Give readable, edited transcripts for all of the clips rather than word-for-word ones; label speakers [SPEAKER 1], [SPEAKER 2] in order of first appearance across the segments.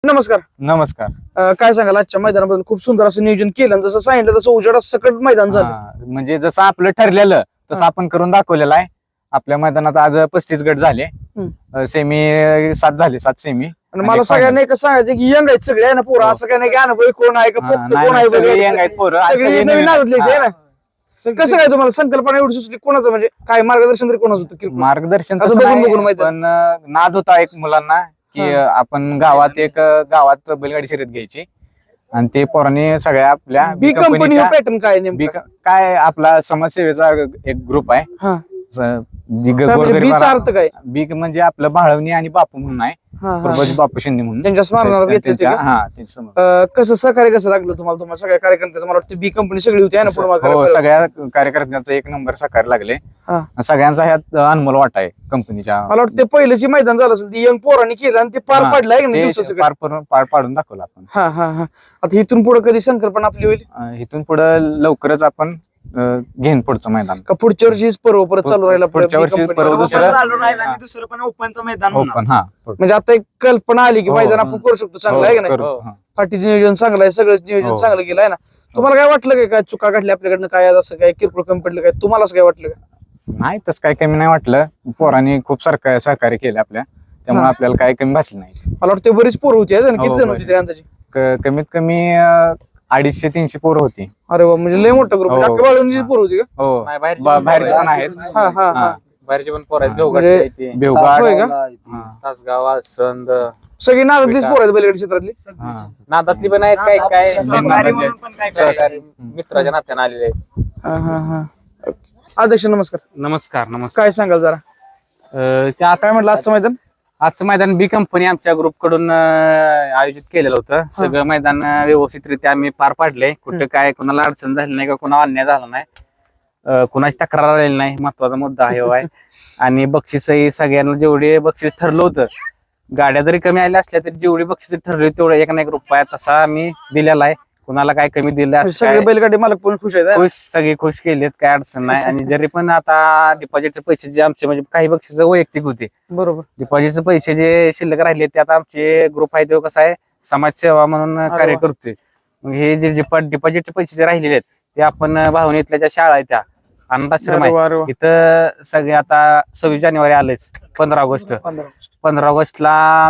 [SPEAKER 1] नमस्कार.
[SPEAKER 2] नमस्कार.
[SPEAKER 1] काय सांगाल आजच्या मैदानाबद्दल? खूप सुंदर असं नियोजन केलं आणि जसं सांगितलं तसं उजेडा सकट मैदान झालं.
[SPEAKER 2] म्हणजे जसं आपलं ठरलेलं तसं आपण करून दाखवलेलं आहे. आपल्या मैदानात आज 35 गट झाले, सेमी 7 झाले, 7 सेमी.
[SPEAKER 1] आणि मला सगळ्यांना एकच सांगायचं की यंग आहेत सगळे आहे ना पोरं, असं काय नाही की अनुभवी कोण आहे का फक्त कोण आहे
[SPEAKER 2] सगळे
[SPEAKER 1] वगैरे.
[SPEAKER 2] यंग आहेत पोरं, आज
[SPEAKER 1] सगळे
[SPEAKER 2] सगळे
[SPEAKER 1] नवीन
[SPEAKER 2] नवीन
[SPEAKER 1] नादातले आहेत,
[SPEAKER 2] आहेत.
[SPEAKER 1] है ना? कसं काय तुम्हाला संकल्पना एवढी सुचली? कोणाचं म्हणजे काय मार्गदर्शन तरी कोणाचं होतं किरकोळ?
[SPEAKER 2] मार्गदर्शन
[SPEAKER 1] असं
[SPEAKER 2] तसं
[SPEAKER 1] बघून
[SPEAKER 2] नाही,
[SPEAKER 1] बघून माहिती आहे.
[SPEAKER 2] पण नाद होता एक मुलांना की आपण गावात बैलगाडी शर्यत घ्यायची आणि ते पोरांनी सगळ्या आपल्या
[SPEAKER 1] बी कंपनी पॅटर्न काय नेमकं?
[SPEAKER 2] काय आपला समाजसेवेचा एक ग्रुप आहे.
[SPEAKER 1] हा.
[SPEAKER 2] जी
[SPEAKER 1] काय म्हणजे बीचा अर्थ काय?
[SPEAKER 2] बी म्हणजे आपलं बाळवणी आणि बापू म्हणून आहे,
[SPEAKER 1] हा, हा,
[SPEAKER 2] पूर्वज बापू शिंदे म्हणून.
[SPEAKER 1] त्यांच्या स्मरणार्थ घेतले होते का?
[SPEAKER 2] त्यांच्या
[SPEAKER 1] कसं सहकार्य कसं लागलं तुम्हाला सगळ्या कार्यकर्त्याचं? मला वाटतं बी कंपनी सगळी होती आहे ना पुढे
[SPEAKER 2] हो, सगळ्या कार्यकर्त्यांचा एक नंबर साकार लागले. सगळ्यांचा ह्यात अनमोल वाटा आहे कंपनीच्या.
[SPEAKER 1] मला वाटतं पहिलंच मैदान झालं असेल, ती यंग पोरांनी केलं आणि ते पार पडलं आहे ना दिवसाचं.
[SPEAKER 2] पार पाडून दाखवलं आपण.
[SPEAKER 1] हा हा हा. आता इथून पुढे कधी संकल्पना आपली होईल?
[SPEAKER 2] इथून पुढे लवकरच आपण घेईन पुढचं मैदान.
[SPEAKER 1] का पुढच्या वर्षीच पर्व परत चालू राहिला?
[SPEAKER 2] पुढच्या वर्षी पर्व
[SPEAKER 3] दुसरं पण ओपनचं मैदान होणार.
[SPEAKER 2] ओपन. हा,
[SPEAKER 1] म्हणजे आता एक कल्पना आली की
[SPEAKER 2] हो,
[SPEAKER 1] मैदान आपण करू शकतो, चांगलं आहे का नाही?
[SPEAKER 2] करू. हा.
[SPEAKER 1] फाटीचं नियोजन चांगलं आहे, सगळं नियोजन
[SPEAKER 2] हो.
[SPEAKER 1] चांगलं केलं आहे ना? तुम्हाला काय वाटलं काय चुका घडल्या आपल्याकडनं? काय असं काय किरकोळ कमी पडलं काय? तुम्हाला असं काय वाटलं का?
[SPEAKER 2] नाही, तसं काही कमी नाही वाटलं. पोरांनी खूप सहकार्य केलं आपल्या, त्यामुळे आपल्याला काही कमी भासलं नाही.
[SPEAKER 1] मला वाटतं बरीच पोरं होती आहे ना? किती
[SPEAKER 2] हो,
[SPEAKER 1] जण होती तरी अंदाजे?
[SPEAKER 2] कमीत कमी 250-300 पोरं होती.
[SPEAKER 1] अरे वा, म्हणजे लय मोठा ग्रुप.
[SPEAKER 2] हो.
[SPEAKER 1] अख्ख्या बाळूंची पोरं होती का?
[SPEAKER 2] हो,
[SPEAKER 3] नाही, बाहेरचे
[SPEAKER 2] बाहेरचे पण आहेत.
[SPEAKER 1] हा हा हा.
[SPEAKER 3] बाहेरचे पण पोर आहेत.
[SPEAKER 2] म्हणजे
[SPEAKER 3] देवगडचे आहेत ते.
[SPEAKER 2] बेवगाड.
[SPEAKER 1] होय का?
[SPEAKER 2] हा.
[SPEAKER 3] तासगाव, आसंद,
[SPEAKER 1] सगळी नादातलीच पोरं आहेत बैलगाडी क्षेत्रातली.
[SPEAKER 2] हा.
[SPEAKER 3] नादातली पण आहेत. काय काय
[SPEAKER 2] सहकारी
[SPEAKER 3] म्हणून पण काय सहकारी मित्राच्या नात्याने आलेले आहेत.
[SPEAKER 1] हा हा हा. अध्यक्ष नमस्कार.
[SPEAKER 3] नमस्कार. नमस्कार.
[SPEAKER 1] काय सांगाल जरा?
[SPEAKER 3] त्या
[SPEAKER 1] काय म्हटलं आजचं मैदान?
[SPEAKER 3] आजचं मैदान बी कंपनी आमच्या ग्रुप कडून आयोजित केलेलं होतं. सगळं मैदान व्यवस्थितरित्या आम्ही पार पाडले. कुठे काय कोणाला अडचण झाली नाही का कोणाला अन्याय झाला नाही, कुणाची तक्रार आलेली नाही, महत्वाचा मुद्दा आहे. आणि बक्षीसही सगळ्यांना जेवढे बक्षीस ठरलं होतं, गाड्या जरी कमी आल्या असल्या तरी जेवढी बक्षीस ठरली तेवढं एक ना एक रुपया तसा आम्ही दिलेला आहे. कुणाला काय कमी दिलं असं
[SPEAKER 1] सगळे बैलगाडी मालक पण खुश आहेत है ना?
[SPEAKER 3] खुश, सगळे खुश केलेत, काय अडचण नाही. आणि जरी पण आता डिपॉझिटचे पैसे जे आमचे म्हणजे काही बक्षीस वैयक्तिक होते,
[SPEAKER 1] बरोबर.
[SPEAKER 3] डिपॉझिटचे पैसे जे शिल्लक राहिले ते आता आमचे ग्रुप आहे तो कसं आहे समाजसेवा म्हणून कार्य करतोय. मग हे जे डिपॉझिटचे पैसे जे राहिलेले आहेत ते आपण भावनेतल्या ज्या शाळा आहेत त्या अनाथाश्रम
[SPEAKER 1] अरे वा,
[SPEAKER 3] आहे
[SPEAKER 1] अरे वा.
[SPEAKER 3] इथं सगळे आता 26 जानेवारी आलेच, 15 ऑगस्ट 15 ऑगस्टला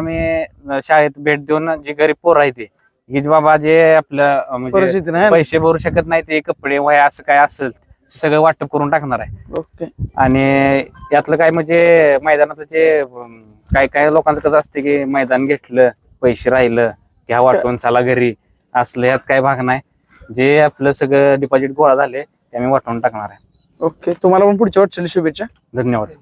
[SPEAKER 3] आम्ही शाळेत भेट देऊन जी गरीब पोरं आहे ते की बाबा जे आपलं म्हणजे
[SPEAKER 1] परिस्थिती नाही है ना?
[SPEAKER 3] पैसे भरू शकत नाही ते कपडे वह्या असं काय असेल ते सगळं वाटप करून टाकणार आहे.
[SPEAKER 1] ओके.
[SPEAKER 3] आणि यातलं काय म्हणजे मैदानात जे काय काय लोकांचं कसं असतं की मैदान घेतलं पैसे राहिलं घ्या वाटून चला घरी, असलं यात काय भाग नाही. जे आपलं सगळं डिपॉझिट गोळा झाले ते आम्ही वाटून टाकणार आहे.
[SPEAKER 1] ओके. तुम्हाला पण पुढच्या वाटचाली शुभेच्छा.
[SPEAKER 3] धन्यवाद.